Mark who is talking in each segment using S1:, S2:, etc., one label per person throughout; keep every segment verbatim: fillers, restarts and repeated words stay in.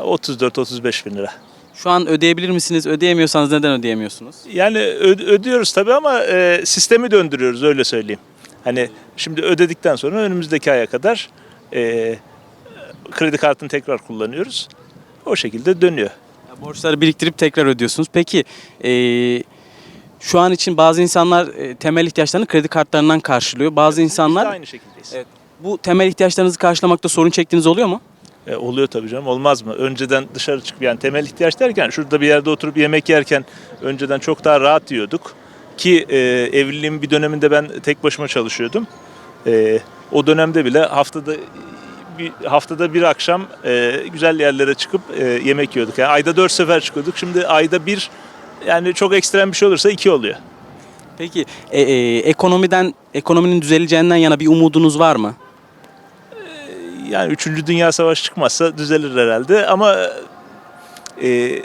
S1: otuz dört otuz beş bin lira.
S2: Şu an ödeyebilir misiniz? Ödeyemiyorsanız neden ödeyemiyorsunuz?
S1: Yani ö- ödüyoruz tabii ama e, sistemi döndürüyoruz, öyle söyleyeyim. Hani şimdi ödedikten sonra önümüzdeki aya kadar e, kredi kartını tekrar kullanıyoruz. O şekilde dönüyor.
S2: Ya borçları biriktirip tekrar ödüyorsunuz. Peki eee, şu an için bazı insanlar e, temel ihtiyaçlarını kredi kartlarından karşılıyor. Bazı
S1: Biz de
S2: insanlar
S1: aynı şekildeyiz.
S2: evet, bu temel ihtiyaçlarınızı karşılamakta sorun çektiğiniz oluyor mu?
S1: E, oluyor tabii canım, olmaz mı? Önceden dışarı çıkıp, yani temel ihtiyaç derken şurada bir yerde oturup yemek yerken önceden çok daha rahat yiyorduk. Ki e, evliliğin bir döneminde ben tek başıma çalışıyordum. E, o dönemde bile haftada bir haftada bir akşam e, güzel yerlere çıkıp e, yemek yiyorduk. Yani ayda dört sefer çıkıyorduk. Şimdi ayda bir, yani çok ekstrem bir şey olursa iki oluyor.
S2: Peki e, e, ekonomiden ekonominin düzeleceğinden yana bir umudunuz var mı?
S1: Yani üçüncü Dünya Savaşı çıkmazsa düzelir herhalde ama e,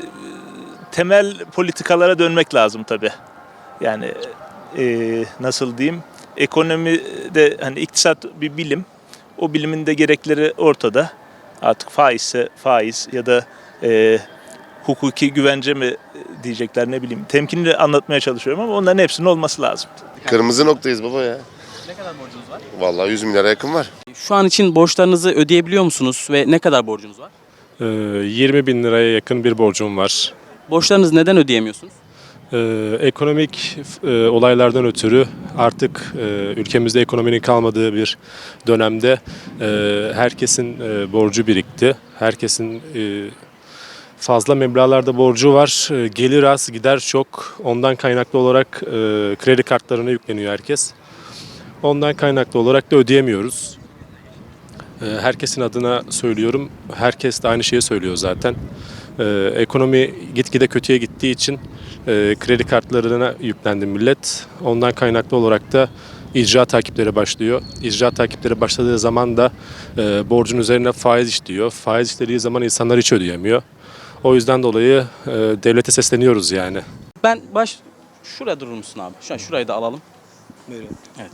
S1: temel politikalara dönmek lazım tabii. Yani e, nasıl diyeyim, ekonomide hani iktisat bir bilim, o bilimin de gerekleri ortada. Artık faizse faiz ya da e, hukuki güvence mi diyecekler, ne bileyim. Temkinli anlatmaya çalışıyorum ama onların hepsinin olması lazım.
S3: Kırmızı noktayız baba ya.
S2: Ne kadar borcunuz var?
S3: Vallahi yüz milyara yakın var.
S2: Şu an için borçlarınızı ödeyebiliyor musunuz ve ne kadar borcunuz var?
S4: Ee, yirmi bin liraya yakın bir borcum var.
S2: Borçlarınızı neden ödeyemiyorsunuz?
S4: Ee, ekonomik e, olaylardan ötürü artık e, ülkemizde ekonominin kalmadığı bir dönemde e, herkesin e, borcu birikti. Herkesin e, fazla meblağlarda borcu var. E, gelir az, gider çok. Ondan kaynaklı olarak e, kredi kartlarına yükleniyor herkes. Ondan kaynaklı olarak da ödeyemiyoruz. E, herkesin adına söylüyorum. Herkes de aynı şeyi söylüyor zaten. Ee, ekonomi gitgide kötüye gittiği için e, kredi kartlarına yüklendi millet. Ondan kaynaklı olarak da icra takipleri başlıyor. İcra takipleri başladığı zaman da e, borcun üzerine faiz işliyor. Faiz işlediği zaman insanlar hiç ödeyemiyor. O yüzden dolayı e, devlete sesleniyoruz yani.
S2: Ben baş şuraya durur musun abi? Şu an şurayı da alalım.
S5: Buyurun.
S2: Evet.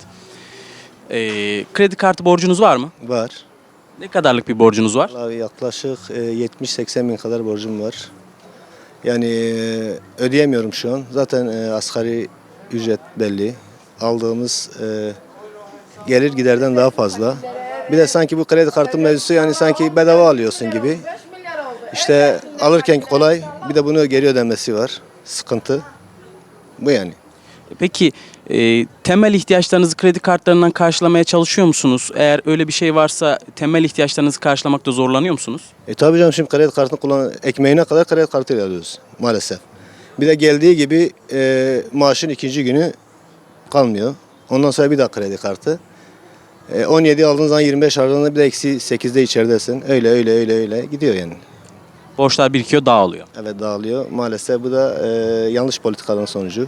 S2: Ee, kredi kartı borcunuz var mı?
S5: Var.
S2: Ne kadarlık bir borcunuz var?
S5: Vallahi yaklaşık e, yetmiş seksen bin kadar borcum var. Yani e, ödeyemiyorum şu an. Zaten e, asgari ücret belli. Aldığımız e, gelir giderden daha fazla. Bir de sanki bu kredi kartı mevzusu, yani sanki bedava alıyorsun gibi. İşte alırken kolay, bir de bunu geri ödemesi var. Sıkıntı. Bu yani.
S2: Peki e, temel ihtiyaçlarınızı kredi kartlarından karşılamaya çalışıyor musunuz? Eğer öyle bir şey varsa temel ihtiyaçlarınızı karşılamakta zorlanıyor musunuz?
S5: E tabii canım, şimdi kredi kartını kullan, ekmeğine kadar kredi kartıyla alıyoruz maalesef. Bir de geldiği gibi e, maaşın ikinci günü kalmıyor. Ondan sonra bir daha kredi kartı. E, on yedi aldığın zaman yirmi beş aldığında bir de eksi sekizde içeridesin. Öyle öyle öyle öyle gidiyor yani.
S2: Borçlar birikiyor, dağılıyor.
S5: Evet, dağılıyor. Maalesef bu da e, yanlış politikaların sonucu.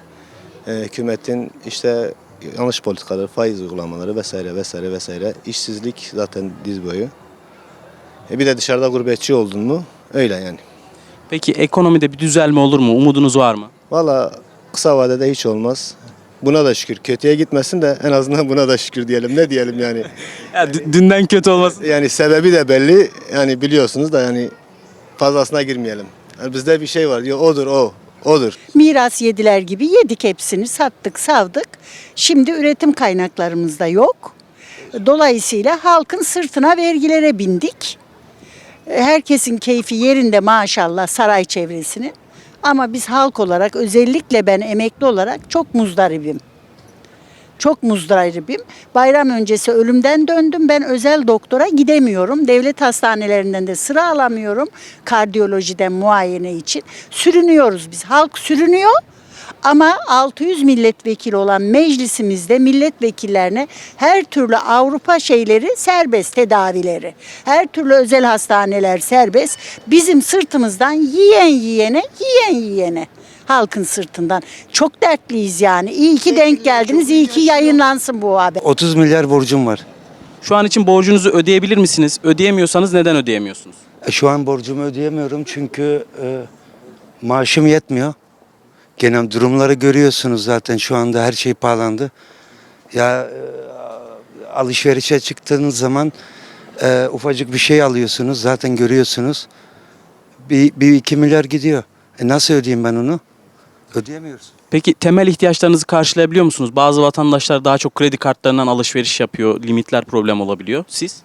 S5: E, hükümetin işte yanlış politikaları, faiz uygulamaları vesaire vesaire vesaire. İşsizlik zaten diz boyu. E, bir de dışarıda gurbetçi oldun mu öyle yani.
S2: Peki ekonomide bir düzelme olur mu? Umudunuz var mı?
S5: Valla kısa vadede hiç olmaz. Buna da şükür. Kötüye gitmesin de en azından buna da şükür diyelim. Ne diyelim yani.
S2: Ya, d- dünden kötü olmasın.
S5: Yani sebebi de belli. Yani biliyorsunuz da, yani fazlasına girmeyelim. Yani bizde bir şey var diyor, odur o. Odur.
S6: Miras yediler gibi yedik hepsini, sattık, savdık. Şimdi üretim kaynaklarımız da yok. Dolayısıyla halkın sırtına vergilere bindik. Herkesin keyfi yerinde maşallah saray çevresinin. Ama biz halk olarak, özellikle ben emekli olarak çok muzdaribim. Çok muzdaribim. Bayram öncesi ölümden döndüm. Ben özel doktora gidemiyorum. Devlet hastanelerinden de sıra alamıyorum. Kardiyolojiden muayene için. Sürünüyoruz biz. Halk sürünüyor. Ama altı yüz milletvekili olan meclisimizde milletvekillerine her türlü Avrupa şeyleri serbest, tedavileri. Her türlü özel hastaneler serbest. Bizim sırtımızdan yiyen yiyene, yiyen yiyene. Halkın sırtından. Çok dertliyiz yani. İyi ki denk geldiniz. İyi ki yayınlansın bu haber.
S7: otuz milyar borcum var.
S2: Şu an için borcunuzu ödeyebilir misiniz? Ödeyemiyorsanız neden ödeyemiyorsunuz?
S7: E, Şu an borcumu ödeyemiyorum çünkü e, maaşım yetmiyor. Genel durumları görüyorsunuz zaten, şu anda her şey pahalandı. Ya e, alışverişe çıktığınız zaman e, ufacık bir şey alıyorsunuz zaten görüyorsunuz. Bir, bir iki milyar gidiyor. E nasıl ödeyeyim ben onu? Ödeyemiyoruz.
S2: Peki temel ihtiyaçlarınızı karşılayabiliyor musunuz? Bazı vatandaşlar daha çok kredi kartlarından alışveriş yapıyor. Limitler problem olabiliyor. Siz?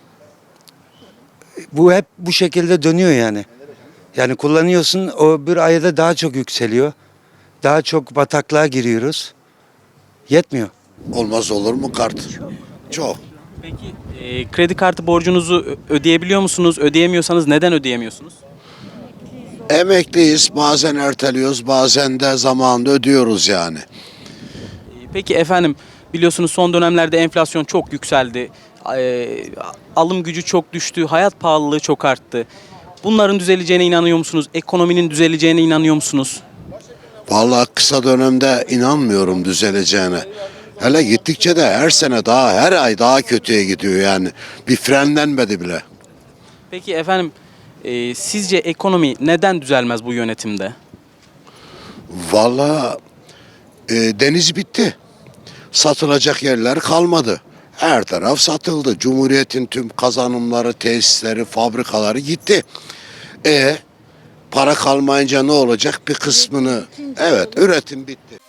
S7: Bu hep bu şekilde dönüyor yani. Yani kullanıyorsun o bir ayda daha çok yükseliyor. Daha çok bataklığa giriyoruz. Yetmiyor.
S8: Olmaz olur mu kart? Çok.
S2: Peki e, kredi kartı borcunuzu ö- ödeyebiliyor musunuz? Ödeyemiyorsanız neden ödeyemiyorsunuz?
S8: Emekliyiz, bazen erteliyoruz, bazen de zamanında ödüyoruz yani.
S2: E, Peki efendim biliyorsunuz son dönemlerde enflasyon çok yükseldi. E, alım gücü çok düştü. Hayat pahalılığı çok arttı. Bunların düzeleceğine inanıyor musunuz? Ekonominin düzeleceğine inanıyor musunuz?
S8: Vallahi kısa dönemde inanmıyorum düzeleceğine. Hele gittikçe de her sene daha, her ay daha kötüye gidiyor yani. Bir frenlenmedi bile.
S2: Peki efendim e, sizce ekonomi neden düzelmez bu yönetimde?
S8: Vallahi e, deniz bitti. Satılacak yerler kalmadı. Her taraf satıldı. Cumhuriyetin tüm kazanımları, tesisleri, fabrikaları gitti. E para kalmayınca ne olacak? Bir kısmını, evet, üretim bitti.